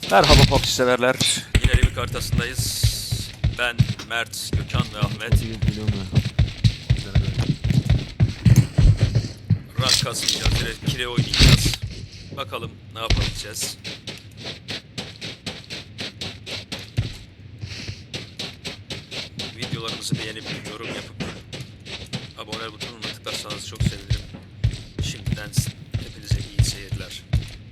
Merhaba PUBG severler. Yine Revik haritasındayız. Ben, Mert, Gökhan ve Ahmet. Rank kasmayacağız, direkt kile oynayacağız. Bakalım ne yapabileceğiz. Videolarımızı beğenip yorum yapıp abone butonuna tıklarsanız çok sevinirim. Şimdiden hepinize iyi seyirler.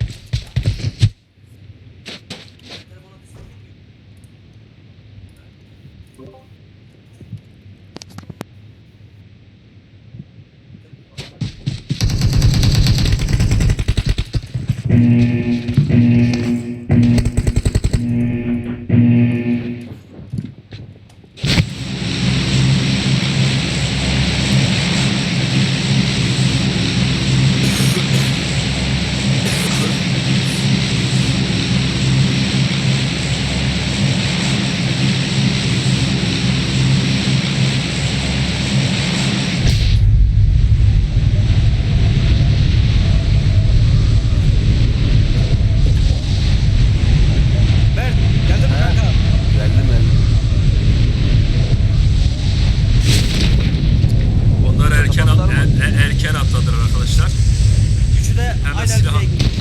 Erken atladılar arkadaşlar. Üçü de hemen aynen silah.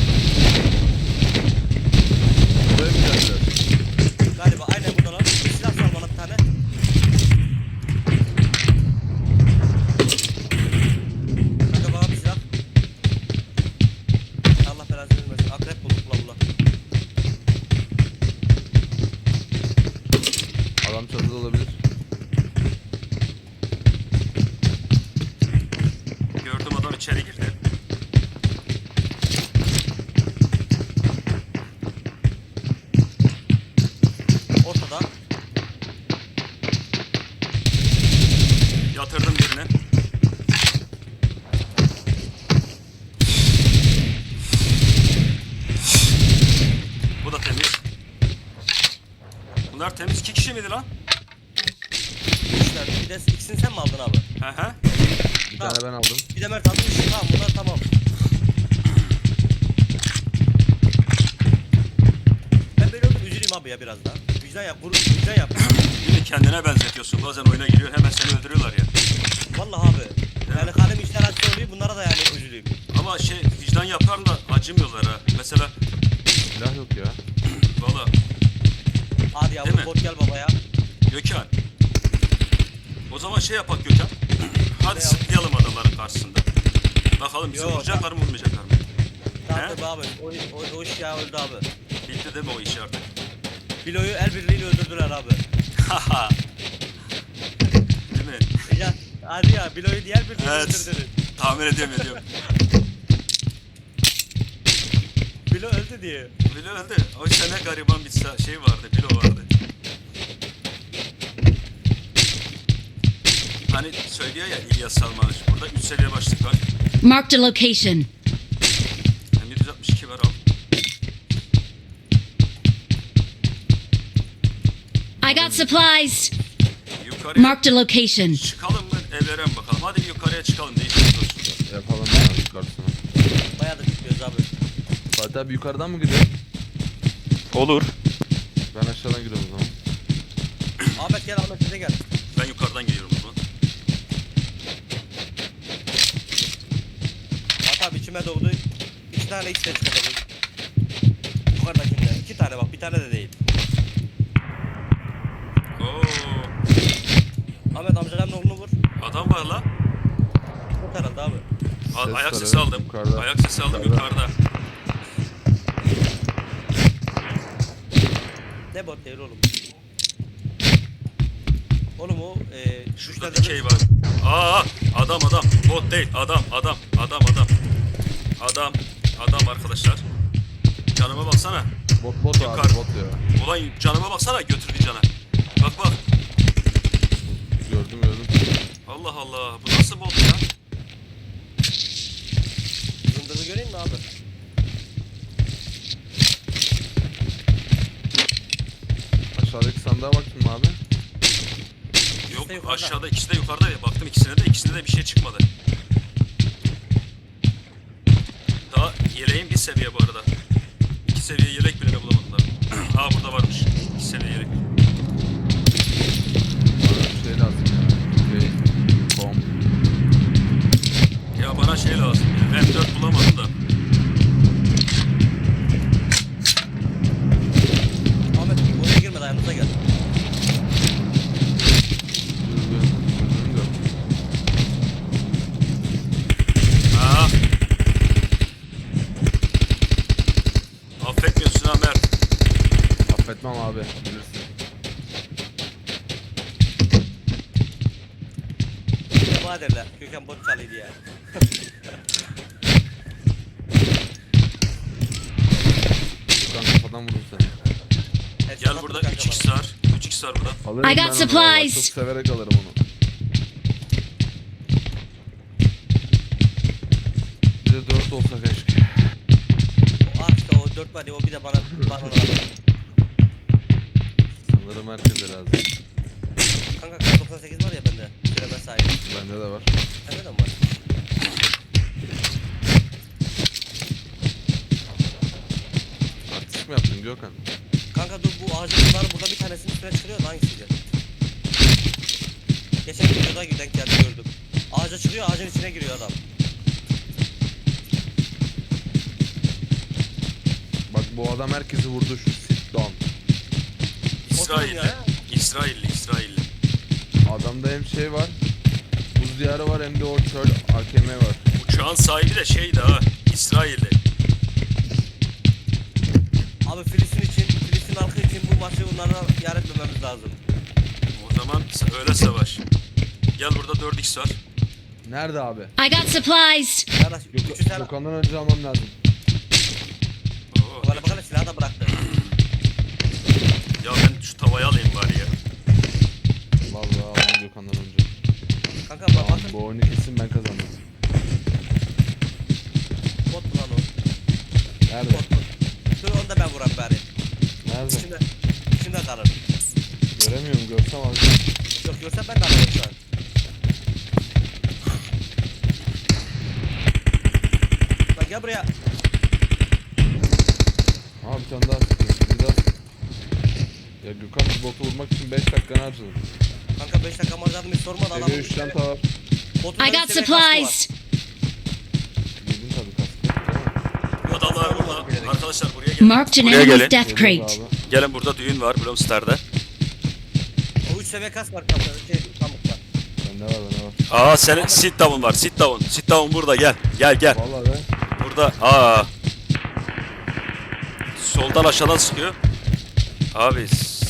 Böyle mi geldiler? Galiba aynen buradalar. Silah sal bana bir tane. Kanka bana bir silah. Allah belasını vermesin. Akrep bulduk bula. Adam çatıda olabilir. Gördüm, adam içeri girdi. Ortada. Yatırdım birine. Bu da temiz. Bunlar temiz. 2 kişi miydi lan? Üçler. Bir de ikisini sen mi aldın abi? Hı hı. Bir Tamam. tane ben aldım. Bir de Mert almış. Tamam bunlar tamam. Ben böyle oldum üzüleyim abi ya biraz daha. Vicdan yap. Vicdan yap. Bir de kendine benzetiyorsun. Bazen oyuna giriyor, hemen seni öldürüyorlar ya. Vallahi abi. Yani kalem işler acı oluyor. Bunlara da yani üzüleyim. Ama vicdan yapar da acımıyorlar ha. Mesela Silah yok ya. valla Hadi Değil yavrum mi? bot gel babaya. Gökhan. O zaman yapak Gökhan. Hadi Ne sıklayalım adamların karşısında. Bakalım bizi Yok, vuracaklar mı vurmayacaklar mı? Tamam He? tabii abi. O iş ya öldü abi. Bitti değil mi o iş artık? Bilo'yu el birliğiyle öldürdüler abi. Haha. Değil mi? Ya hadi ya Bilo'yu diğer birliğiyle Evet. öldürdüler. Tahmin ediyorum. Bilo öldü diye. Bilo öldü. O sene gariban bir şey vardı. Bilo vardı. Hani söylüyor ya İlyas Salman. Burada 3 seviye başlık var. Marked a location. Hem 762 var al. I got supplies. Yukarıya Marked a location. çıkalım mı? Evleren bakalım. Hadi bir yukarıya çıkalım. Değişik olsun. Yapalım ya yukarısına. Bayağı da gitmiyoruz abi. Fatih abi yukarıdan mı gidiyor? Olur. Ben aşağıdan gidiyorum o zaman. Ahmet gel Ahmet bize gel. Ben yukarıdan geliyorum o zaman. Bak abi içime doğdu. 2 tane X'de çıkacak. Yukarıdakinde. 2 tane bak bir tane de değil. Oo, Ahmet amcanın oğlunu vur. adam var la. Vur herhalde abi. Ses Ayak var, sesi evet. aldım. Yukarıda. Ayak sesi aldım yukarıda. Ne bot değil oğlum. Oğlum o Şurada dikey var. Aa, adam. Bot değil. Adam. Adam arkadaşlar. Canıma baksana. Bot abi Yukarı. bot ya. Ulan canıma baksana, götürdü cana. Bak. Gördüm. Allah Allah. Bu nasıl bot ya? Zındırı göreyim mi abi? Aşağıdaki sandığa baktın mı abi? Yok, yukarıda. aşağıda, ikisi de yukarıda. Baktım ikisine de bir şey çıkmadı. Daha yeleğin bir seviye bu arada. 2 seviye yelek bile bulamadılar. Aa burada varmış. 2 seviye yelek. Bana bir şey lazım ya. Bomb. Ya bana şey lazım ya. M4 bulamadım da. Ahmet oraya girme yanımıza gel. Düzgün gör. Aa. Affetmiyorsun ha Mert. Affetmem abi. Bilirsin. Bir de bana derler. Gökhan bot çalıydı ya. Yukan kafadan vurdum seni. Gel burada 3x var. 3x var burada. Alırım I got ben onu vallahi, supplies. Çok severek alırım onu. Bir de 4 olsa keşke. Ah işte o 4 var ya o bir de bana lazım. Sanırım herkese lazım. Kanka kar 98 var ya bende. Süreme sahip. Bende de var. Sende de mi var? Artist mi yaptın Gökhan? Kanka dur bu ağacın bunların burada bir tanesinin üstüne çıkıyor da hangisiydi? Geçen videoda denk geldi gördüm. Ağaca çıkıyor ağacın içine giriyor adam. Bak bu adam herkesi vurdu şu sit down. İsrailli. ya. İsrailli. Adamda hem şey var. Buz diyarı var hem de o çöl AKM var. Uçağın sahibi de şeydi ha. İsrailli. Abi Filistin halkı için bu maçı bunlara yar etmememiz lazım. O zaman öyle savaş. Gel burada 4x var. Nerede abi? I got supplies. Kardeş 300 tane. Gökhan'dan önce almam lazım. Oo. Bana bakalım silahı da bıraktı. Ya ben şu tavayı alayım bari ya. Vallahi almam Gökhan'dan önce. Kanka Tamam, bakın bu oyunu kesin ben kazandım. bot mu lan o? Nerede? Bot bot. Dur onu da ben vuram bari. Nerede? İçimde kalır. Göremiyorum, görsem alacağım. Yok görsen ben de alırım şu an. Lan gel buraya. Aa bir tane daha sıkıyor. Bir daha sık. Ya Gökhan bu botu vurmak için 5 dakikanı harcadın. Kanka 5 dakika harcadım hiç sormadı adam. Seviye 3 çanta var. Botun I da got bir seviye kaskı var. supplies. Yedin tabii kaskı. Adamlar burada. Arkadaşlar buraya gelin. Marked an Buraya enemy's gelin. death Geliyoruz crate. abi. Gelin burada düğün var Bloomstar'da. O 3 seviye kask var kanka. Pamukta. Bende var. Aa senin sit down var. Sit down. Sit down burada gel. Gel. Vallahi be. Burada. Aa. Soldan aşağıdan sıkıyor. Abi.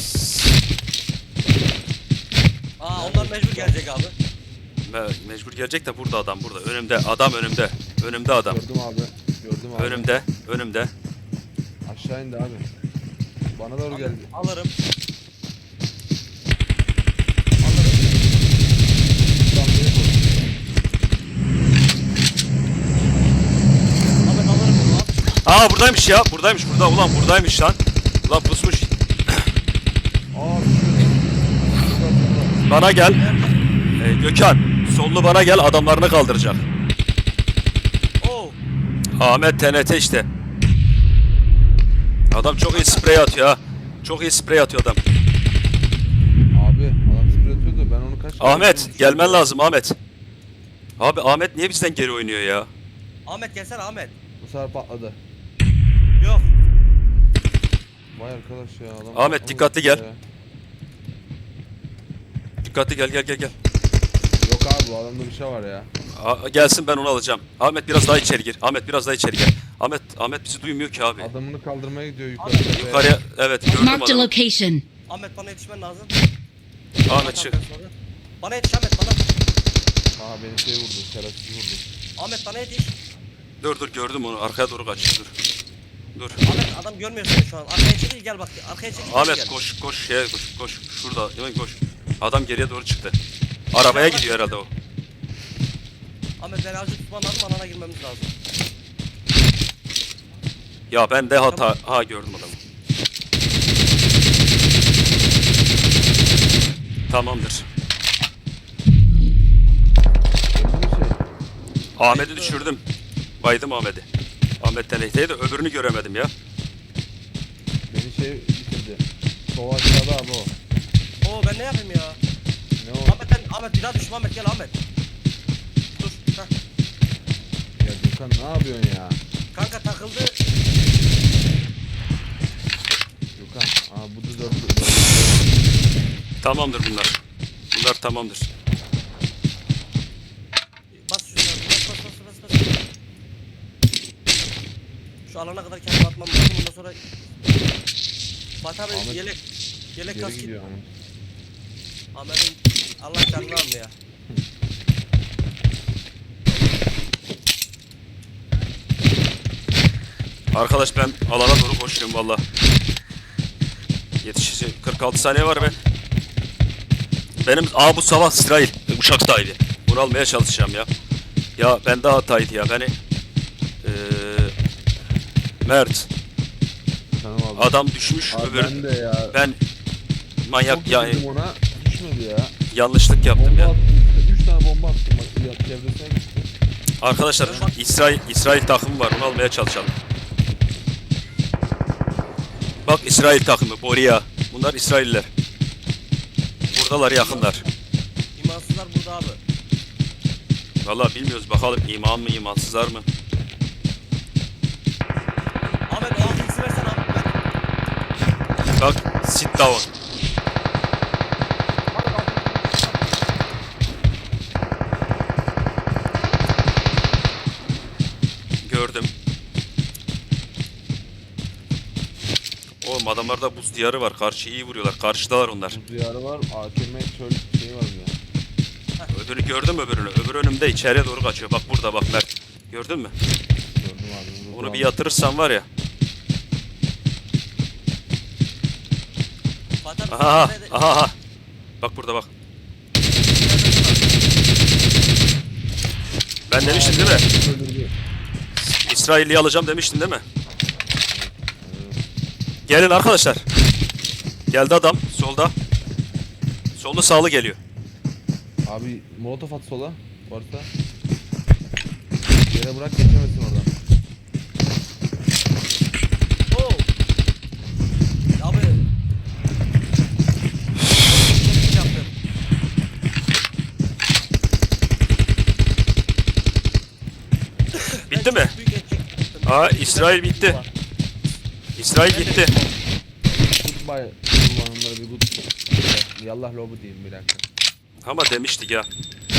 Aa onlar mecbur gelecek abi. Mecbur gelecek de burada adam burada. Önümde. Adam önümde. Önümde adam. Gördüm abi. Gördüm abi. Önümde. Aşağı indi abi. Bana doğru geldi. Alırım. Tam bir bu. Ahmet alırım bunu al. Aa buradaymış ya. Buradaymış burada. Ulan buradaymış lan. Ulan pusmuş. Aa Bana gel. Gökhan. Sollu bana gel. Adamlarını kaldıracak. Oo. Ahmet TNT işte. Adam çok iyi sprey atıyor ha. Çok iyi sprey atıyor adam. Abi adam sprey atıyordu ben onu kaç Ahmet gelmen lazım Ahmet. Abi Ahmet niye bizden geri oynuyor ya? Ahmet gelsene Ahmet. Bu sefer patladı. Yok. Vay arkadaş ya adam. Ahmet, patlamadı dikkatli ya. gel. Dikkatli gel. Yok abi bu adamda bir şey var ya. Gelsin ben onu alacağım. Ahmet biraz daha içeri gir. Ahmet biraz daha içeri gel. Ahmet bizi duymuyor ki abi. Adamını kaldırmaya gidiyor yukarı. Yukarıya evet gördüm Marked a adamı. location. Ahmet bana yetişmen lazım. Ahmet çık. Bana yetiş Ahmet bana. Aa beni şey vurdu. Şerefsiz vurdu. Ahmet bana yetiş. Dur gördüm onu. Arkaya doğru kaç. Dur. Ahmet adam görmüyor seni şu an. Arkaya çekil gel bak. Arkaya çekil. Ahmet gel. koş koş. Şurada. Hemen koş. Adam geriye doğru çıktı. Arabaya gidiyor herhalde o. Ahmet beni azıcık tutman lazım alana girmemiz lazım. Ya ben de hata. Ha gördüm adamı. Tamamdır. Öldü mü şey? Ahmet'i düşürdüm. Baydım Ahmet'i. Ahmet TNT'yi de öbürünü göremedim ya. Beni şey bitirdi. Hadi. Sol aşağıda abi o. Oo ben ne yapayım ya? Ne o? Ahmet bir daha düşme Ahmet, gel Ahmet. Dur. Heh. Ya Gökhan ne yapıyorsun ya? Kanka takıldı. Gökhan. Aa bu da 4. Tamamdır bunlar. Bunlar tamamdır. Bas şunları, bas. Şu alana kadar kendimi atmam lazım, ondan sonra... Fatih abi Ahmet, yelek Geri kask. gidiyor ama. Ahmet'in Allah canını almıyor ya. Arkadaş ben alana doğru koşuyorum valla. Yetişecek 46 saniye var be. Benim bu sabah İsrail uçak sahibi. Bunu almaya çalışacağım ya. Ya ben de hataydı ya beni. Mert Tamam abi. adam düşmüş Abi öbür ben de ya. ben manyak Çok yani dedim ona. Düşmedi ya. yanlışlık yaptım Bomba ya. attım işte. 3 tane bomba attım bak. Ya, çevresine gitti. Arkadaşlar İsrail takımı var onu almaya çalışalım. Bak İsrail takımı Boria. Bunlar İsrailler. Buradalar yakınlar. İmansızlar burada abi. Vallahi bilmiyoruz bakalım iman mı imansızlar mı? Ahmet o altı ikisi versene Ahmet. Bak sit down. Gördüm. Oğlum adamlarda buz diyarı var. Karşı iyi vuruyorlar. Karşıdalar onlar. Bu diyarı var. AKM çöl şeyi var ya. Öbürünü gördüm öbürünü. Öbür önümde içeriye doğru kaçıyor. Bak burada bak Mert. Gördün mü? Gördüm abi. Onu bir yatırırsan var ya. Fatih abi Aha nerede? aha. Bak burada bak. Ben demiştim değil mi? Öldürdü. İsrailli'yi alacağım demiştin değil mi? Gelin arkadaşlar. Geldi adam solda. Solda sağlı geliyor. Abi molotof at sola. Varsa. Yere bırak geçemesin oradan. Oo. Abi. Yaptım. Bitti mi? Büyük etki. Aa İsrail bitti. İsrail gitti. Goodbye. Kullanımları bir good. Yallah lobu diyeyim bir dakika. Ama demiştik ya.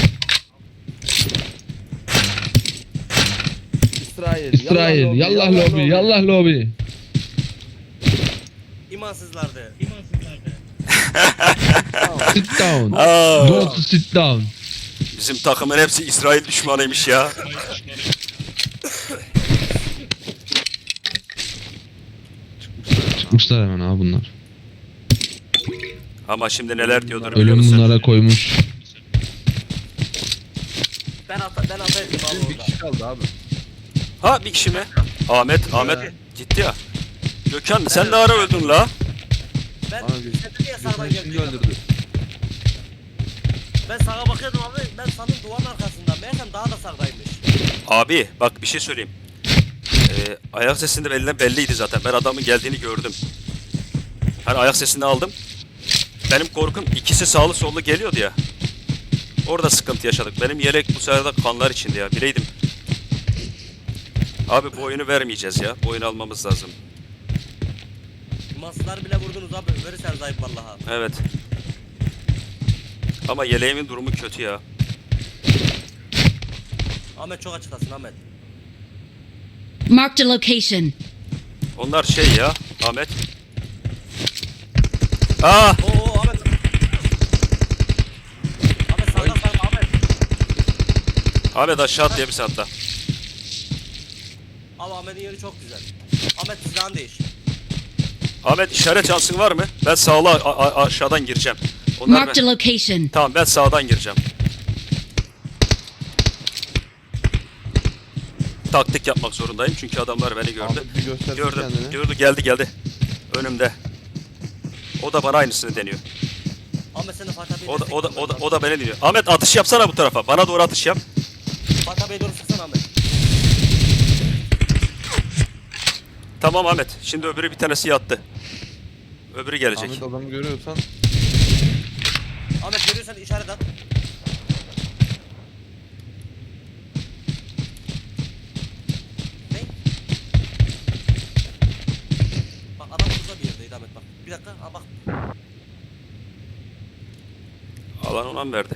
İsrail. Yallah lobi, yallah lobi. İmansızlardı. Sit down. Aa, Go to sit down. bizim takımın hepsi İsrail düşmanıymış ya. Çıkmışlar hemen abi bunlar. Ama şimdi neler diyordur biliyor Ölüm musun? bunlara koymuş. Ben ataydım abi Bir orada. kişi kaldı abi. Ha bir kişi mi? Ahmet gitti ya. Gökhan sen de ara öldün la. Ben Abi, sen de niye sağdan Gökhan şimdi geldin? öldürdü. Ben sağa bakıyordum abi. Ben sandım duvarın arkasından. Meğersem daha da sağdaymış. Abi bak bir şey söyleyeyim. Ayak sesinde belliydi zaten. Ben adamın geldiğini gördüm. Hani ayak sesini aldım. Benim korkum ikisi sağlı sollu geliyordu ya. Orada sıkıntı yaşadık. Benim yelek bu sefer de kanlar içinde ya. Bileydim. Abi bu oyunu vermeyeceğiz ya. Bu oyunu almamız lazım. İmansızlar bile vurdunuz abi. Verirsen zayıf vallahi. Evet. Ama yeleğimin durumu kötü ya. Ahmet çok açıklasın Ahmet. Marked a location. Onlar şey ya. Ahmet. Aa! Oo Ahmet. Ahmet sağdan Ahmet. Ahmet aşağı at diye bir hatta. Abi Ahmet'in yeri çok güzel. Ahmet silahını değiş. Ahmet işaret şansın var mı? Ben sağla aşağıdan gireceğim. Onlar Marked a location. Tamam ben sağdan gireceğim. Taktik yapmak zorundayım çünkü adamlar beni gördü. Ahmet bir göstersin Gördüm. kendini. Geldi. Önümde. O da bana aynısını deniyor. Ahmet sen de Fatih abiye O da beni deniyor. Ahmet atış yapsana bu tarafa. Bana doğru atış yap. Fatih abiye doğru sıksana Ahmet. Tamam Ahmet. Şimdi öbürü bir tanesi yattı. Öbürü gelecek. Ahmet adamı görüyorsan Ahmet görüyorsan işaret at. Ne? Bak adam burada bir yerdeydi Ahmet bak. Bir dakika bak. Alan ona mı verdi?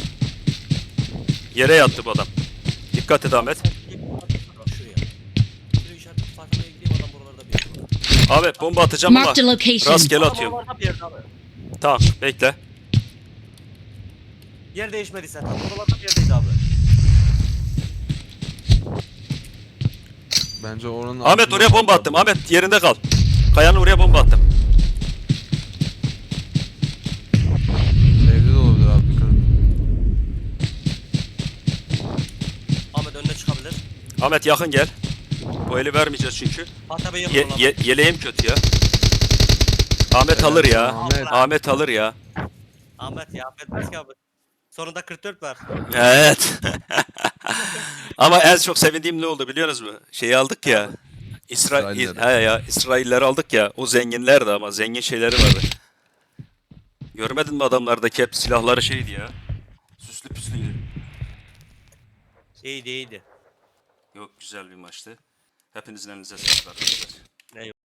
Yere yattı bu adam. Dikkat et Ahmet. Bak şuraya. Şuraya işaret at. Farkına gideyim adam buralarda bir yerde. Ahmet bomba atacağım ama Marked a location. rastgele Adam atıyorum. oralarda bir yerde abi. Tamam bekle. Yer değişmediyse tam oralarda bir yerdeydi abi. bence oranın Ahmet altında oraya bomba patladı. attım. Ahmet yerinde kal. Kayanın oraya bomba attım. Evde de olabilir abi dikkat et. Ahmet önüne çıkabilir. Ahmet yakın gel. Bu eli vermeyeceğiz çünkü. Hatta ben yakın olan. Yeleğim kötü ya. Ahmet alır ya. Ahmet. Ahmet alır ya. Ahmet ya affetmez ki abi. Sonunda 44 var. Evet. Ama en çok sevindiğim ne oldu biliyor musunuz? Şeyi aldık ya. İsrailleri. İsrailleri aldık ya. O zenginlerdi ama zengin şeyleri vardı. Görmedin mi adamlardaki hep silahları şeydi ya. Süslü püslüydü. İyiydi iyiydi. Yok güzel bir maçtı. Hepinizin elinize sağlık arkadaşlar.